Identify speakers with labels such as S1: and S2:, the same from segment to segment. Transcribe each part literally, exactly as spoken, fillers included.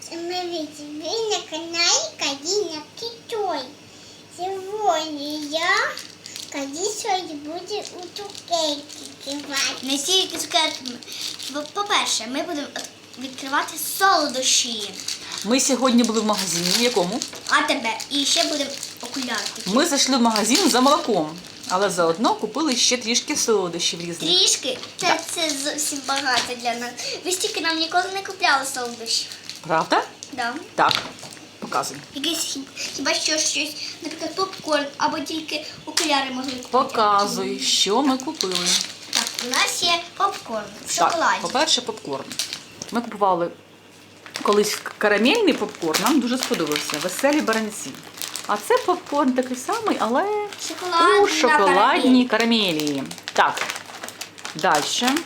S1: Смотрите, вы на канале Кадина Китой. Сегодня я Кадисою буду у цукерки кивати.
S2: Не тільки цукерки. По-перше, ми будемо відкривати солодощі.
S3: Ми сьогодні були в магазині. В якому?
S2: А тебе. І ще будемо окуляри.
S3: Ми зайшли в магазин за молоком, але заодно купили ще трішки солодощів різних.
S2: Трішки? Це, це зовсім багато для нас. Ви ж тільки нам ніколи не купляли солодощі.
S3: Правда?
S2: Да.
S3: Так. Показуй.
S2: Якесь хі- хіба що щось, наприклад, попкорн, або тільки окуляри могли купити.
S3: Показуй, що ми купили.
S2: Так, у нас є попкорн в
S3: Так,
S2: шоколаді.
S3: по-перше, попкорн. Ми купували колись карамельний попкорн, нам дуже сподобався. Веселі баранці. А це попкорн такий самий, але
S2: Шоколадна
S3: у шоколадній карамелі. Так, далі.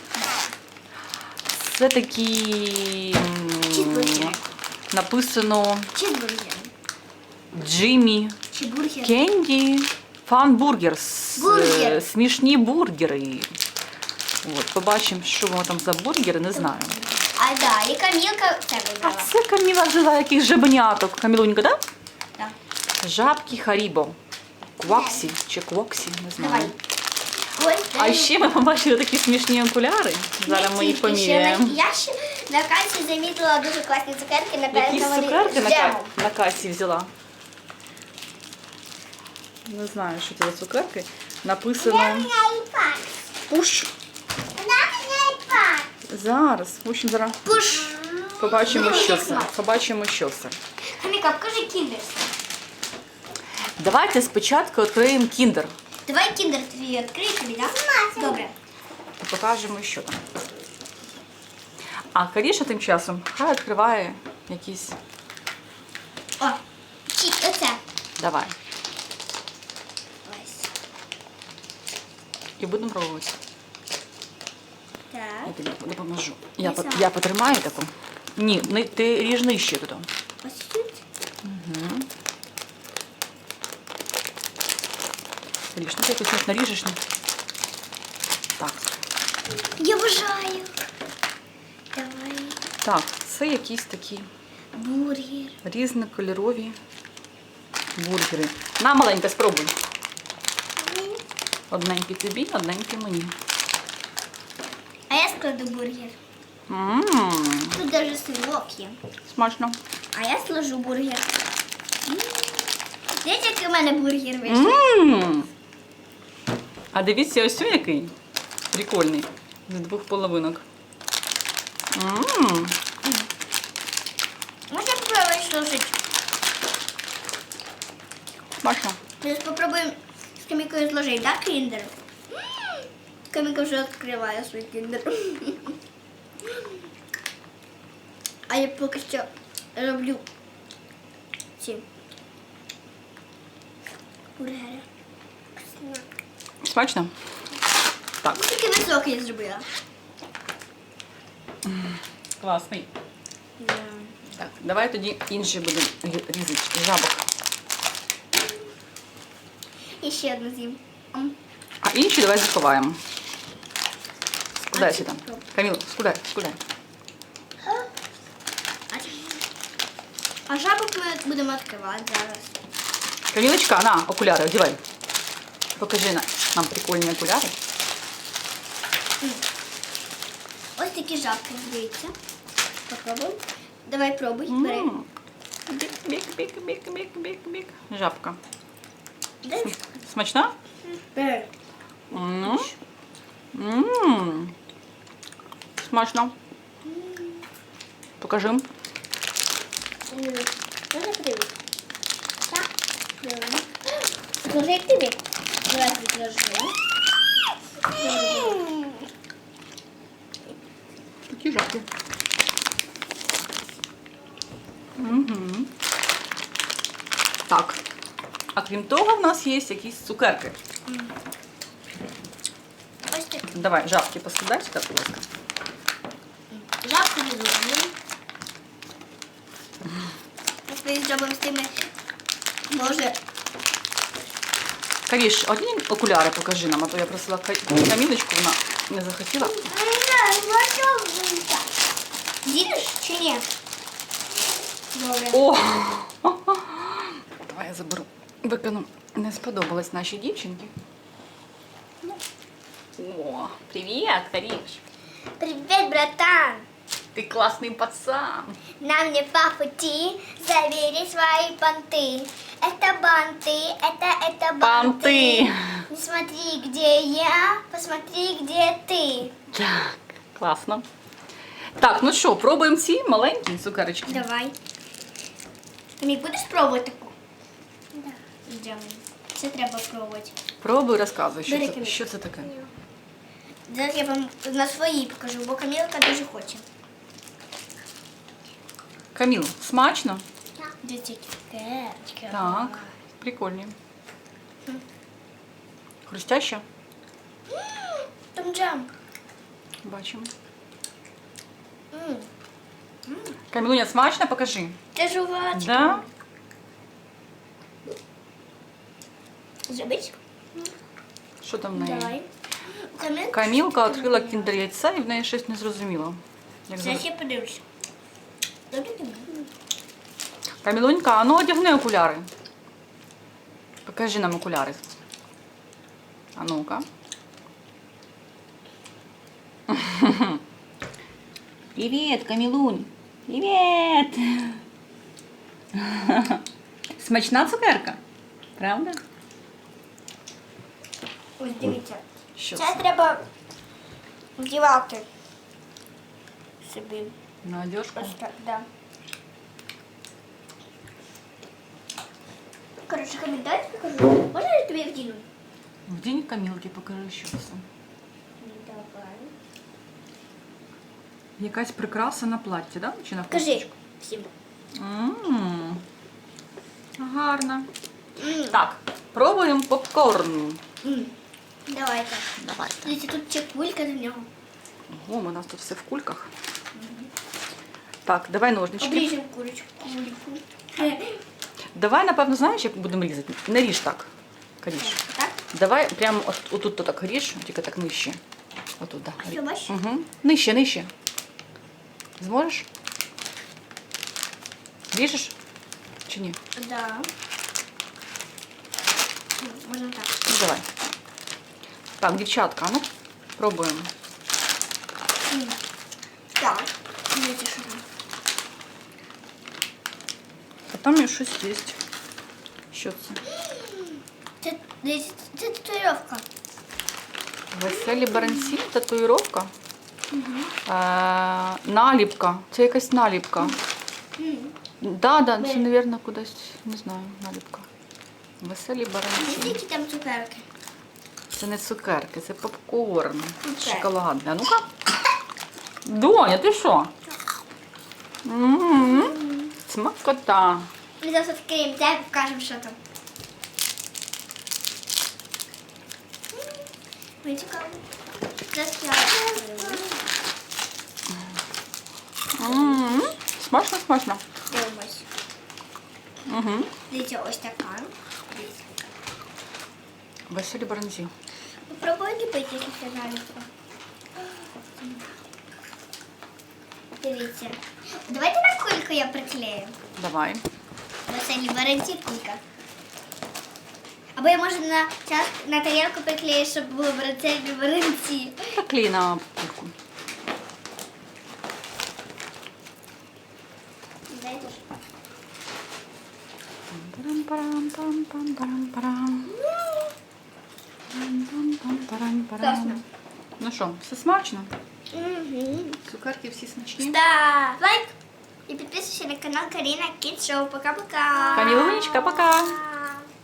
S3: Це такі м,
S2: Чізбургери.
S3: написано
S2: Чізбургер.
S3: Джиммі
S2: Чи бургер?
S3: Кенді Фан-бургер.
S2: Бургер.
S3: Смішні бургери. От, побачимо, що воно там за бургери, не знаю.
S2: А да, і Камілка це
S3: А
S2: вибрала.
S3: це Каміла взяла якийсь жабеняток. Камілунька, так?
S2: Так.
S3: Жабки Харібо. Кваксі чи Квоксі, не знаю.
S2: Давай. Ось,
S3: А
S2: дай.
S3: ще ми побачили такі смішні окуляри. Зараз
S2: Не
S3: ми їх
S2: тільки, ще
S3: поміряємо.
S2: на- Я ще на касі замітила дуже класні цукерки,
S3: Якісь
S2: напевно, вони
S3: цукерки
S2: з
S3: на, ка-
S2: джемом.
S3: на касі взяла. Не знаю, що це за цукерки. Написано
S1: Айпад.
S3: пуш.
S1: Вона мене айпад.
S3: Зараз. В общем, зараз
S2: Пуш.
S3: побачимо,
S2: Ну,
S3: що
S2: як
S3: це.
S2: смак.
S3: Побачимо, що це.
S2: Каміка, покажи кіндер.
S3: Давайте спочатку відкриємо кіндер.
S2: Давай кіндер твій відкрий тобі, так? Добре.
S3: І покажемо, що там. А Каріша тим часом хай відкриває якісь.
S2: О, чи оце.
S3: Давай.
S2: Ось.
S3: І будемо пробувати.
S2: Так.
S3: Я тобі допоможу. Я,
S2: Ось
S3: по-
S2: так.
S3: я потримаю таку. Ні, не, ти ріж нижче тут.
S2: Ось тут.
S3: Ріж, ну ти якось наріжеш. Ні? Так.
S2: Я бажаю. Давай.
S3: Так, це якісь такі
S2: Бургер.
S3: різнокольорові бургери. На, маленька, спробуй. Одненький тобі, одненький мені.
S2: А я складу бургер.
S3: Ммм,
S2: Тут даже сирок є.
S3: смачно.
S2: А я сложу бургер. М. Дивіться, який у мене бургер вийшов.
S3: Ммм. А дивіться, ось цей який прикольний. З двох половинок. Ммм.
S2: Можна попробувати сложити?
S3: Смачно.
S2: Зараз попробуємо з Камікою зложити, так, кіндер? М. Каміка вже відкриває свій кіндер. А я поки що роблю ці бургери.
S3: Смачно? Так,
S2: Тільки високий я зробила.
S3: класний. Так, давай тоді інші будемо рі- різати. Жабок.
S2: І ще одну з'їм. М.
S3: А інші давай заховаємо. Скудай
S2: А
S3: сюди.
S2: чи-
S3: Каміло, скудай, скудай.
S2: А жабок ми будемо відкривати зараз.
S3: Камілочка, на, окуляри, одягай. Покажи на- нам прикольні окуляри.
S2: Ось такі жабки, дивіться. Попробуй. Давай пробуй, бери.
S3: М. Бік, бік, бік, бік, бік, бік, бік. Жабка.
S2: Де?
S3: Смачна?
S2: Бери.
S3: М. М. Смачно. Покажи.
S2: Можна подивитися? Так. Давай. Сложи як тобі. Давай відложи.
S3: Такі жабки. Угу. Так. А крім того, в нас є якісь цукерки.
S2: Ось так.
S3: Давай, жабки поскидай сюди, будь ласка.
S2: Жабку відложимо. Ми з жабами з тими, може,
S3: Каріш, одні окуляри покажи нам, а то я просила Ка- Камілочку, вона не захотіла.
S2: з'їдеш чи ні? Добре.
S3: О! Давай я заберу. Викину. Не сподобалось нашій дівчинці. Ну. О, привіт, Каріш.
S2: Привет, братан!
S3: Ти класний пацан.
S2: Нам не по пути, забери свои понты. Это банты, это, это банты.
S3: Банти.
S2: Не смотри, где я, посмотри, где ты.
S3: Так, класно. Так, ну що, пробуємо ці маленькі цукерочки.
S2: Давай. Мій, будеш пробувати таку? Да. Йдемо. Це треба пробувати.
S3: Пробуй, розказуй, що
S2: Бери,
S3: це,
S2: Каміль.
S3: що це таке.
S2: Зараз я вам на своїй покажу, бо Камілка дуже хоче.
S3: Каміл, смачно?
S2: Дивіться, цукерочки.
S3: Так, прикольні. Хрустяще?
S2: Там джем.
S3: Бачимо.
S2: М,
S3: Камілуня, смачно? Покажи.
S2: Це жувачка.
S3: Да?
S2: Зробить?
S3: Що там в неї?
S2: Давай. Камілка.
S3: Камілка відкрила кіндер яйця і в неї щось не зрозуміло. Як
S2: Зараз
S3: завжди.
S2: я подивлюся. Добре, Камілка?
S3: Камілунька, а ну одягни окуляри. Покажи нам окуляри. А ну-ка. Привіт, Камілунь. Привіт. Смачна цукерка? Правда?
S2: Ось дивіться.
S3: Що
S2: Це
S3: це?
S2: треба вдівати собі.
S3: На одежку?
S2: Ось так, да. Коротше, коментарі покажу. Можна я тобі вдіну?
S3: В день Камілки покажи, що це.
S2: Давай.
S3: Якась прикраса на платті, да? Чи на
S2: Кажи
S3: хусточку?
S2: всім.
S3: М, Гарно.
S2: М,
S3: Так, пробуємо попкорн.
S2: м. Давайте.
S3: Давайте.
S2: Дивіться, тут ще кулька до нього.
S3: Ого, у нас тут все в кульках. Так, давай ножнички.
S2: Обріжемо курочку. Кульку.
S3: Давай, напевно, знаєш, як будемо різати? Не ріж так. Ріж.
S2: Так?
S3: Давай прямо от, отут то так ріж, тільки так нижче. Отут, так.
S2: Що, бачиш?
S3: Угу. Нижче, нижче. Зможеш? Ріжеш? Чи ні?
S2: Да. Ну, можна так.
S3: Ну, давай. Так, дівчатка, ну, пробуємо.
S2: М. Так. Дивіться, що там.
S3: А там і щось є. Що це?
S2: Це, дивіться, це татуїровка.
S3: Веселі баранці, татуїровка. Е, наліпка. Це якась наліпка.
S2: М.
S3: Да, да, це,
S2: Бери.
S3: мабуть, кудись, не знаю, наліпка. Веселі баранці.
S2: Які там цукерки?
S3: Це не цукерки, це попкорн.
S2: Цукерки.
S3: Шоколадний. А ну-ка. Доня, ти що? М-м-м. Смакота.
S2: Ми зараз відкриємо, дай покажемо, що там. Мені цікаво. Зараз я відкрию.
S3: М-м. Смачно, смачно.
S2: Дивимось.
S3: Угу.
S2: Дивіться, ось така. Дивіться.
S3: Веселі баранці.
S2: Попробуй ліпити, якщо це наліпка. Дивіться. Давайте на кульку я приклею.
S3: Давай.
S2: Веселі баранці кулька. Або я можу на, час, на тарілку приклею, щоб було веселі баранці.
S3: Так клей на кульку.
S2: Дайте ж.
S3: Парам-парам-пам-пам-парам-парам. Пам-пам-пам-парам-парам.
S2: Класно.
S3: Ну що, все смачно?
S2: Угу.
S3: Цукерки всі смачні.
S2: Ставь лайк и подписывайся на канал Карина Кидс Шоу. Пока-пока.
S3: Камилунечка, пока.